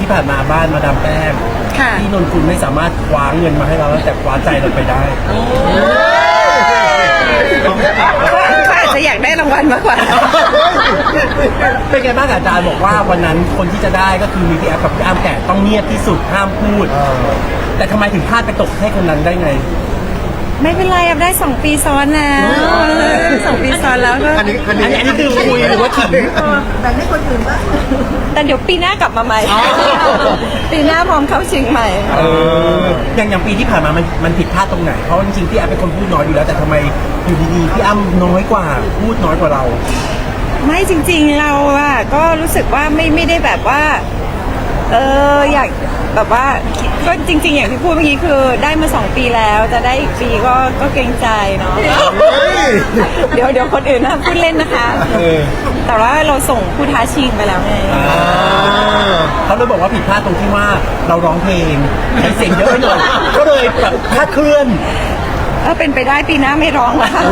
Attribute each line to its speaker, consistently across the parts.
Speaker 1: ที่ผ่านมาบ้านมาดามแป้ง
Speaker 2: ค่ะ
Speaker 1: ที่นนคุณไม่สามารถคว้าเงินมาให้เราแล้วแต่คว้าใจเราไปได้
Speaker 2: เขาอาจจะอยากได้รางวัลมากกว่า
Speaker 1: เป็นไงบ้างอาจารย์บอกว่าวันนั้นคนที่จะได้ก็คือมีพี่แอฟกับพี่อ้ำแต่ต้องเงียบที่สุดห้ามพูด แต่ทำไมถึงพลาดไปตกให้คนนั้นได้ไง
Speaker 2: ไม่เป็นไรได้2 ปีซ้อนแล้ว2 ปีซ้อนแล้วก็
Speaker 1: อันนี้คือคุยหรือว่าขิง
Speaker 3: แต่ให้คนอื่นบ้าง
Speaker 2: แต่เดี๋ยวปีหน้ากลับมาใหม่
Speaker 1: อ๋อ
Speaker 2: ปีหน้าพร้อมเข้าชิงใหม่
Speaker 1: อย่างปีที่ผ่านมามันผิดพลาดตรงไหน เพราะจริงๆพี่แอฟเป็นคนพูดน้อยอยู่แล้วแต่ทำไมอยู่ดีๆพี่อ้ำน้อยกว่าพูดน้อยกว่าเรา
Speaker 2: ไม่จริงๆเราอะก็รู้สึกว่าไม่ได้แบบว่าอยากแบบว่าก็จริงๆอย่างที่พูดเมื่อกี้คือได้มา2 ปีแล้วจะได้อีกปีก็เกรงใจเนาะเดี๋ยวคนอื่นนะพูดเล่นนะคะ แต่ว่าเราส่งผู้ท้าชิงไปแล้วไง
Speaker 1: เขาเลยบอกว่าผิดพลาดตรงที่ว่าเราร้องเพลงใช้เสียงเยอะไปหน่อยก็เลยแบบคลาดเคลื่อน
Speaker 2: เป็นไปได้ปีหน้าไม่ร้องแล้วค่ะ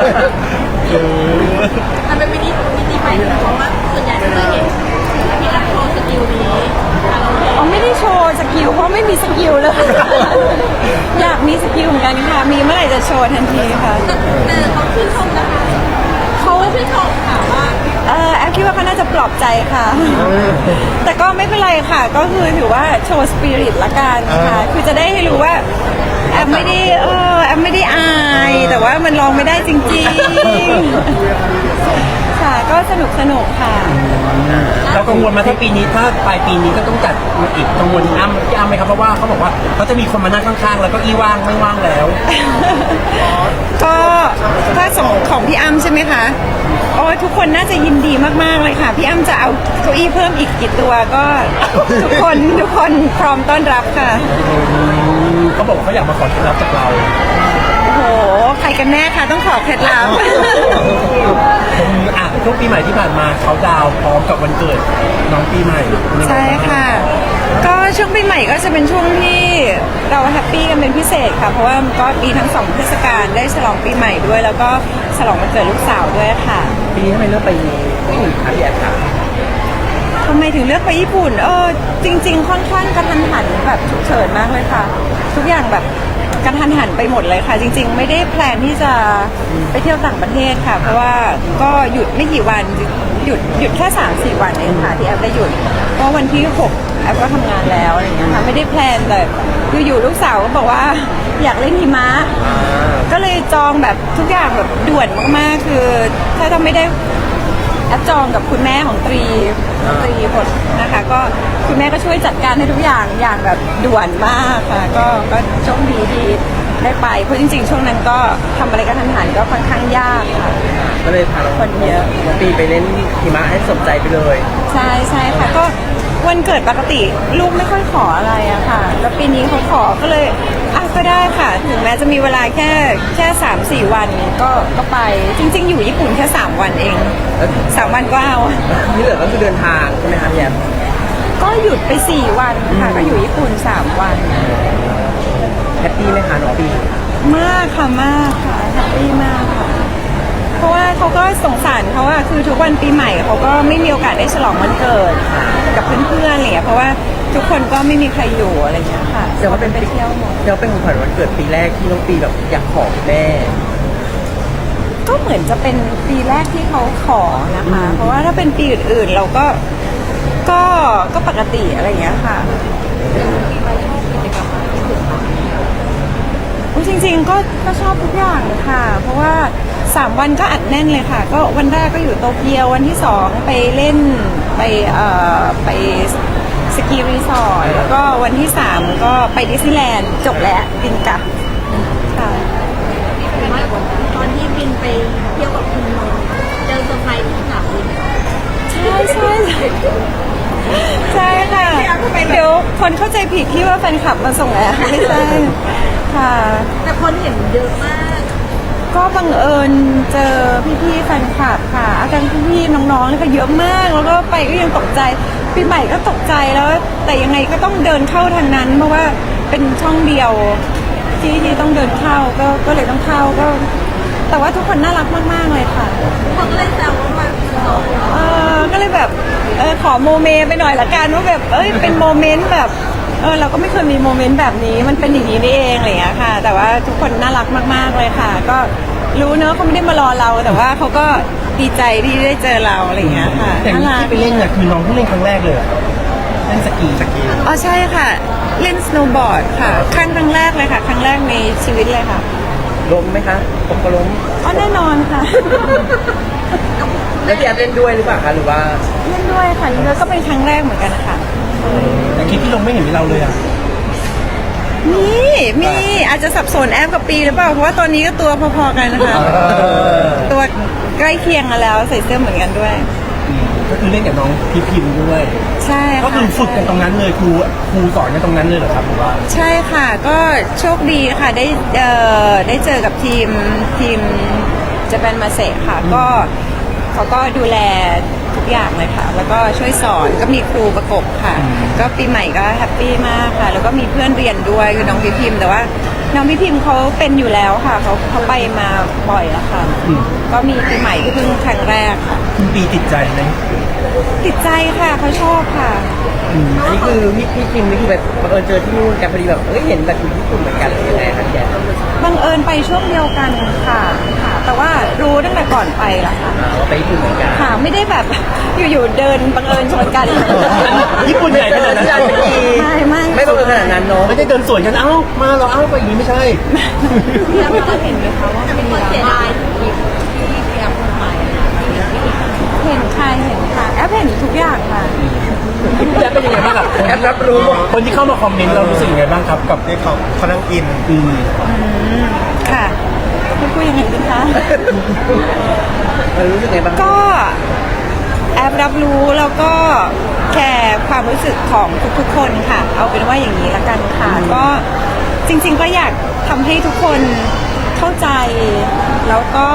Speaker 3: มันเป็นมินิใหม่เพราะว่าส่วนใหญ่จะเห็นที่รับโชว์สกิลนี้เราเอง
Speaker 2: อ๋อไม่ได้โชว์สกิลเพราะไม่มีสกิลเลย อยากมีสกิลเหมือนกันค่ะ มีเมื่อไหร่จะโชว์ทันทีค่ะ
Speaker 3: แต่เขาชื่นชมนะคะ
Speaker 2: เขา
Speaker 3: ชื่นชมค่ะว่า
Speaker 2: แอฟคิดว่าเขาน่าจะปลอบใจค่ะ แต่ก็ไม่เป็นไรค่ะ ก็คือถือว่าโชว์สปิริตละกันค่ะ คือจะได้ให้รู้ว่าแอฟไม่ได้แอฟไม่ได้อาย แต่ว่ามันลองไม่ได้จริงๆ ค่ะ ก็สนุกค่ะ
Speaker 1: เรากังวลมาที่ปีนี้ถ้าปลายปีนี้ก็ต้องจัดอีกกังวลพี่อ้ำไหมครับเพราะว่าเขาบอกว่าเขาจะมีคนมานั่งข้างๆแล้วก็อี้ว่างไม่ว่างแล้ว
Speaker 2: ก็ถ้าของพี่อ้ำใช่ไหมคะโอ้ยทุกคนน่าจะยินดีมากๆเลยค่ะพี่อ้ำจะเอาเก้าอี้เพิ่มอีกกี่ตัวก็ ทุกคนพร้อมต้อนรับค่ะ
Speaker 1: เขาบอกว่าเขาอยากมาขอเคล็ดลับจากเรา
Speaker 2: โอ้โหใครกันแน่คะต้องขอเคล็ดลับ
Speaker 1: ช่วงปีใหม่ที่ผ่านมาเขาดาวน์พร้อมกับวันเกิดน้องปีใหม่
Speaker 2: ใช่ค่ะ ก็ช่วงปีใหม่ก็จะเป็นช่วงที่เราแฮปปี้กันเป็นพิเศษค่ะ เพราะว่าก็มีทั้ง2 เทศกาลได้ฉลองปีใหม่ด้วย แล้วก็ฉลองวันเกิดลูกสาวด้วยค่ะ
Speaker 1: ปีนี้ทำไมเลือกไปญี่ปุ่นคะพี่แอฟคะ
Speaker 2: ทำไมถึงเลือกไปญี่ปุ่นจริงๆค่อนข้างกระทันหันแบบฉุกเฉินมากเลยค่ะ ทุกอย่างแบบกระทันหันไปหมดเลยค่ะ จริงๆ ไม่ได้แพลนที่จะไปเที่ยวต่างประเทศค่ะ เพราะว่าก็หยุดไม่กี่วันหยุดแค่3-4 วันเองค่ะที่แอฟได้หยุดเพราะวันที่6แอฟก็ทำงานแล้วอะไรอย่างเงี้ยค่ะไม่ได้แพลนแต่อยู่ๆลูกสาวก็บอกว่าอยากเล่นหิมะก็เลยจองแบบทุกอย่างแบบด่วนมากๆคือถ้าทำไม่ได้ แอปจองกับคุณแม่ของตรีผลนะคะก็คุณแม่ก็ช่วยจัดการให้ทุกอย่างแบบด่วนมากค่ะก็โชคดีที่ได้ไปเพราะจริงๆช่วงนั้นก็ทำอะไรกันทันหันก็ค่อนข้างยากค่ะ
Speaker 1: ก็เลยพาเรา
Speaker 2: คนเยอะ
Speaker 1: น้องปีไปเล่นหิมะให้สมใจไปเลย
Speaker 2: ใช่ค่ะก็วันเกิดปกติลูกไม่ค่อยขออะไรอะค่ะแล้วปีนี้เขาขอก็เลยก็ได้ค่ะถึงแม้จะมีเวลาแค่3-4 วันก็ไปจริงๆอยู่ญี่ปุ่นแค่3 วันเอง3 วันก็เอา
Speaker 1: ที่เหลือก็คือเดินทางใช่ไหมครับพี่แอฟ
Speaker 2: ก็หยุดไป4 วันค่ะก็อยู่ญี่ปุ่น3 วัน
Speaker 1: แฮปปี้ไหมคะน้องปี
Speaker 2: มากค่ะมากค่ะแฮปปี้มากค่ะเพราะว่าเขาก็สงสารเขาอะคือทุกวันปีใหม่เขาก็ไม่มีโอกาสได้ฉลองวันเกิดกับเพื่อนๆอะไรอย่างเงี้ยเพราะว่าทุกคนก็ไม่มีใครอยู่อะไรอย่างเงี้ยค่ะ
Speaker 1: แต่ว่าเป็น
Speaker 2: ไปเที่ยวหมด
Speaker 1: เดี๋ยวเป็นของขวัญวันเกิดปีแรกที่น้องปีแบบอยากขอคุณแม่
Speaker 2: ก็เหมือนจะเป็นปีแรกที่เขาขอนะคะ เพราะว่าถ้าเป็นปีอื่นๆเราก็ปกติอะไรอย่างเงี้ยค่ะจริงๆก็ชอบทุกอย่างค่ะ เพราะว่า3 วันก็อัดแน่นเลยค่ะ ก็วันแรกก็อยู่โตเกียววันที่2ไปเล่นไปสกีรีสอร์ทแล้วก็วันที่3ก็ไปดิสนีย์แลนด์จบแล้วบินกลับค่ะ
Speaker 3: แต่ว่าตอนที่บินไปเที่ยวกับคุณนนท์เจอเซอร์ไพรส์ที่สนามบิน
Speaker 2: ใช่ค่ะเดี๋ยวคนเข้าใจผิดที่ว่าแฟนคลับมาส่งแอร์ไม่ใช่ค่ะ
Speaker 3: แต่คนเห็นเยอะมาก
Speaker 2: ก็บังเอิญเจอพี่ๆแฟนคลับค่ะอาจารย์พี่ๆน้องๆเลยค่ะเยอะมากแล้วก็ไปก็ยังตกใจปีใหม่ก็ตกใจแล้ว แต่ยังไงก็ต้องเดินเข้าทางนั้นเพราะว่าเป็นช่องเดียวที่ต้องเดินเข้าก็เลยต้องเข้าก็ แต่ว่าทุกคนน่ารักมากๆเลยค่ะ
Speaker 3: คนก็เลยแซวว่า
Speaker 2: ก็เลยแบบขอโมเมไปหน่อยละกันว่าแบบเป็นโมเมนต์แบบเราก็ไม่เคยมีโมเมนต์แบบนี้มันเป็นอย่างนี้นี่เองอะไรอย่างเงี้ยค่ะ แต่ว่าทุกคนน่ารักมากๆเลยค่ะ ก็รู้เนอะเขาไม่ได้มารอเราแต่ว่าเขาก็ดีใจที่ได้เจอเราอะไรอย่างเงี้ยค่ะ
Speaker 1: แต่
Speaker 2: น่า
Speaker 1: นี่
Speaker 2: รัก
Speaker 1: ที่ไปเล่นเนี่ยคือน้องเพิ่งเล่นครั้งแรกเลยเหรอเล่นสกี
Speaker 2: อ๋อใช่ค่ะ เล่นสโนว์บอร์ดค่ะครั้งแรกเลยค่ะ ครั้งแรกในชีวิตเลยค่ะ
Speaker 4: ล้มไหมคะผมก็ล้ม
Speaker 2: อ๋อแน่นอนค่ะ
Speaker 4: แล้วพี่แอฟเล่นด้วยหรือเปล่าคะหรือว่า
Speaker 2: เล่นด้วยค่ะนี่ก็เป็นครั้งแรกเหมือนกันนะคะ
Speaker 1: แต่คลิปที่ลงไม่เห็นมีเราเลยอ่ะ
Speaker 2: มีอาจจะสับสนแอปกับปีหรือเปล่า เพราะว่าตอนนี้ก็ตัวพอๆกันนะคะ ตัวใกล้เคียงกันแล้วใส่เสื้อเหมือนกันด้วย
Speaker 1: ก็คือเล่นกับน้องพี่พิมพ์ด้วย
Speaker 2: ใช่ค่ะ
Speaker 1: ก็คือฝึกกันตรงนั้นเลยครูสอนกันตรงนั้นเลยเหรอครับหรือว่า
Speaker 2: ใช่ค่ะ ก็โชคดีค่ะได้เจอกับทีมจะเป็นมาเซค่ะ ก็เขาก็ดูแลทุกอย่างเลยค่ะ แล้วก็ช่วยสอนก็มีครูประกบค่ะ ก็ปีใหม่ก็แฮปปี้มากค่ะ แล้วก็มีเพื่อนเรียนด้วยคือน้องพี่พิมพ์แต่ว่าน้องพี่พิมพ์เขาเป็นอยู่แล้วค่ะเขาไปมาบ่อยแล้วค่ะ ก็มีปีใหม่ที่เพิ่งครั้งแรกค่ะ
Speaker 1: คุณปีติดใจไหม
Speaker 2: ติดใจค่ะเขาชอบค่ะ
Speaker 4: อันนี้คือพี่คิมนี่คือแบบบังเอิญเจอที่นู่นกันพอดีแบบเห็นแบบอยู่ญี่ปุ่นเหมือนกันเลยยังไงคะพี่แอฟ
Speaker 2: บังเอิญไปช่วงเดียวกันค่ะ แต่ว่ารู้ตั้งแต่ก่อนไปละค่ะ
Speaker 4: ว่าไปญี่ปุ่นเหมือนกัน
Speaker 2: ค่ะไม่ได้แบบ อยู่ๆเดินบังเอิญชนกัน
Speaker 1: ญี่ปุ่นใหญ่ขนาดนั้น
Speaker 2: ไม่
Speaker 4: ไม่บังเอิญขนาดนั้นเนาะ
Speaker 1: ไม่ได้เดินสวนกันเอ้ามาเราเอ้าไปอย่างนี้ไม่ใช่
Speaker 3: พี่แอฟก็เห็นไหมคะว่าเป็นคนเสียดายคลิปที่พี่แอฟลงไป
Speaker 2: เห็นค่ะแอปเห็นทุกอย่างค่ะ
Speaker 1: พี่แอฟเป็นยังไงบ้างกับ
Speaker 4: แอฟรับรู้หมด
Speaker 1: คนที่เข้ามาคอมเมนต์เรารู้สึกยังไงบ้างครับกับ
Speaker 5: ที่เขานั่งอิน
Speaker 2: ค่ะไม่พูดยังไงดีคะ
Speaker 4: รู้สึกไงบ้าง
Speaker 2: ก็แอปรับรู้แล้วก็แคร์ความรู้สึกของทุกๆคนค่ะ เอาเป็นว่าอย่างนี้ละกันค่ะ ก็จริงๆก็อยากทำให้ทุกคนเข้าใจแล้วก็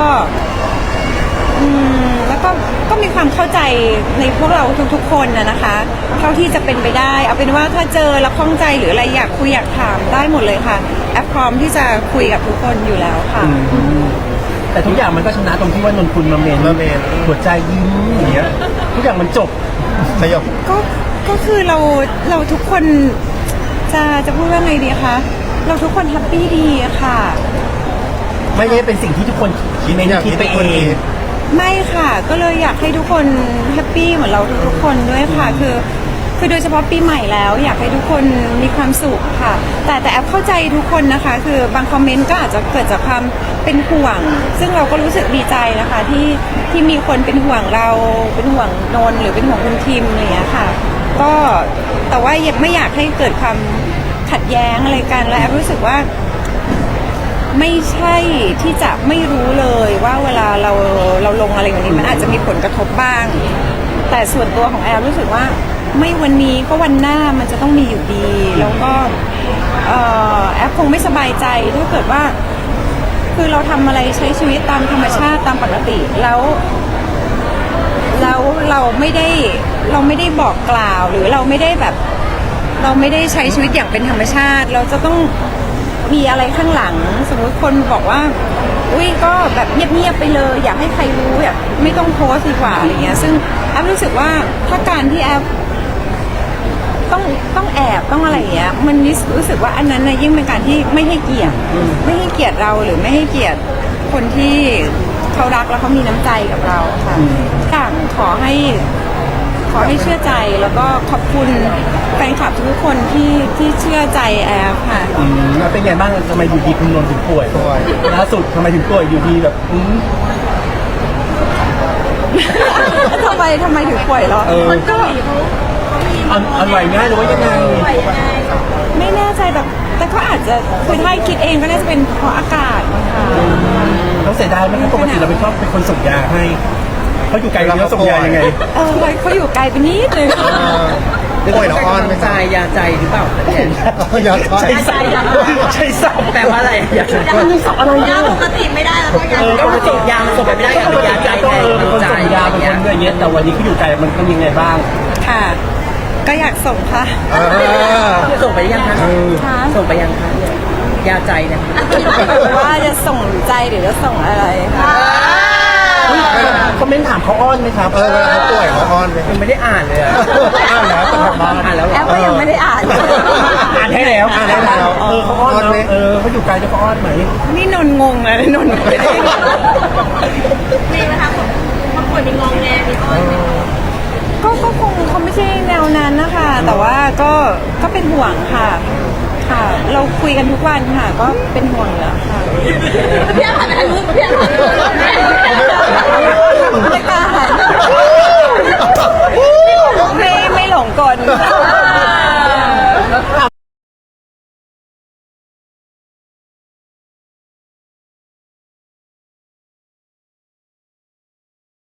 Speaker 2: ก็มีความเข้าใจในพวกเราทุกๆคนนะคะเท่าที่จะเป็นไปได้ เอาเป็นว่าถ้าเจอแล้วข้องใจหรืออะไรอยากคุยอยากถามได้หมดเลยค่ะแอปพร้อมที่จะคุยกับทุกคนอยู่แล้วค่ะ
Speaker 1: แต่ทุกอย่างมันก็ชนะตรงที่ว่านนคุณมาเมนหัวใจยิ้มอย่างเงี้ยทุกอย่างมันจบ
Speaker 5: สยบ
Speaker 2: ก็คือเราทุกคนจะพูดว่าไงดีคะเราทุกคนแฮปปี้ดีอะค่ะ
Speaker 1: ไม่ได้เป็นสิ่งที่ทุกคนคิดไปเอง
Speaker 2: ไม่ค่ะ ก็เลยอยากให้ทุกคนแฮปปี้เหมือนเราทุกๆคนด้วยค่ะ คือโดยเฉพาะปีใหม่แล้ว อยากให้ทุกคนมีความสุขค่ะ แต่แอปเข้าใจทุกคนนะคะ คือบางคอมเมนต์ก็อาจจะเกิดจากความเป็นห่วง ซึ่งเราก็รู้สึกดีใจนะคะที่มีคนเป็นห่วงเราเป็นห่วงนนท์หรือเป็นห่วงคุณทีมอะไรอย่างเงี้ยค่ะ ก็แต่ว่ายังไม่อยากให้เกิดความขัดแย้งอะไรกันและแอปรู้สึกว่า ไม่ใช่ที่จะไม่รู้เลยว่าเวลาเราลงอะไรอย่างนี้มันอาจจะมีผลกระทบบ้าง แต่ส่วนตัวของแอลรู้สึกว่าไม่วันนี้ก็วันหน้ามันจะต้องมีอยู่ดี แล้วก็แอปคงไม่สบายใจถ้าเกิดว่า คือเราทำอะไรใช้ชีวิตตามธรรมชาติตามปกติแล้วเราไม่ได้บอกกล่าวหรือเราไม่ได้แบบ เราไม่ได้ใช้ชีวิตอย่างเป็นธรรมชาติ เราจะต้องมีอะไรข้างหลัง สมมุติคนบอกว่าอุ้ยก็แบบเงียบๆไปเลยอยากให้ใครรู้แบบไม่ต้องโพสต์ดีกว่าอะไรเงี้ยซึ่งแอปรู้สึกว่าถ้าการที่แอปต้องแอบต้องอะไรอย่างเงี้ยมันรู้สึกว่าอันนั้นนะยิ่งเป็นการที่ไม่ให้เกียรติเราหรือไม่ให้เกียรติคนที่เขารักแล้วเขามีน้ำใจกับเราค่ะต่างขอให้เชื่อใจแล้วก็ขอบคุณแฟนคลับทุกคนที่เชื่อใจแอฟค่ะ
Speaker 1: แล้วเป็นไงบ้างทำไมอยู่ดีคุณนนท์ถึงป่วยล่าสุดทำไมถึงป่วยอยู่ดีแบบ
Speaker 2: ทำไมถึงป่วยเหรอ
Speaker 1: มันก็อันไหวง่ายหรือว่ายังไง
Speaker 2: ไม่แน่ใจแต่ก็อาจจะคือถ้าคิดเองก็น่าจะเป็นเพราะอากาศนะคะ
Speaker 1: ต้องเสียดายไหมครับปกติเราเป็นคนส่งยาให้เขาอยู่ไกลเราส่งยายังไง
Speaker 2: เขาอยู่ไกลไปนิดนึง
Speaker 5: ป่วยน้องอ้อนไหม
Speaker 4: ใจยาใจหรือเปล่า
Speaker 5: อยากทอด
Speaker 1: ใช่สับใช่สับ
Speaker 4: แปลว่าอะไรยาใจ
Speaker 1: มันมีสับอะไร
Speaker 3: ยา
Speaker 1: เนี่ย
Speaker 3: ปกติไม่ได้แล้วก็ยา
Speaker 4: ก็มันส่งยามันส่งไปไม่ได้
Speaker 1: ก็ปกติใจเป็นคนส่งยาเป็นคนอะไรเงี้ยแต่วันนี้เขาอยู่ไกลมันเป็นยังไงบ้าง
Speaker 2: ค่ะ ก็อยากส่งค่ะ
Speaker 4: ส่งไปยังคะ
Speaker 2: ค่ะ
Speaker 4: ส่งไปยังคะยาใจเนี่ย
Speaker 2: ว่าจะส่งใจหรือจะส่งอะไรค่ะ
Speaker 1: คอมเมนต์ถามเขาอ้อนไหมครับ
Speaker 5: เวลาเขาป่วยเขาอ้อนไหม
Speaker 4: ยังไม่ได้อ่านเลยอะ
Speaker 5: อ้านแล้วแต่ทำบ้าน
Speaker 4: อ่านแล้วเหร
Speaker 2: แอ
Speaker 4: อ
Speaker 2: ปก็ยังไม่ได้อ่าน
Speaker 1: อ่านให้แล้วเขาอ้อนไหมเขาอยู่ไกลจะเขาอ้อนไหม
Speaker 2: นี่นนท์งงเลยนนท์ไม่ได้
Speaker 3: มีไหมคะบางคนมีงองแงมีอ้อนไหม
Speaker 2: ก็คงเขาไม่ใช่แนวนั้นนะคะ แต่ว่าก็เป็นห่วงค่ะ ค่ะ เราคุยกันทุกวันค่ะ ก็เป็นห่วงอยู่แล้วค่ะ
Speaker 3: พี่อาผ่านไปทางนู้นพี่อาผ่านไปทางนู้น
Speaker 2: ไม่กล้าไม่หลงกล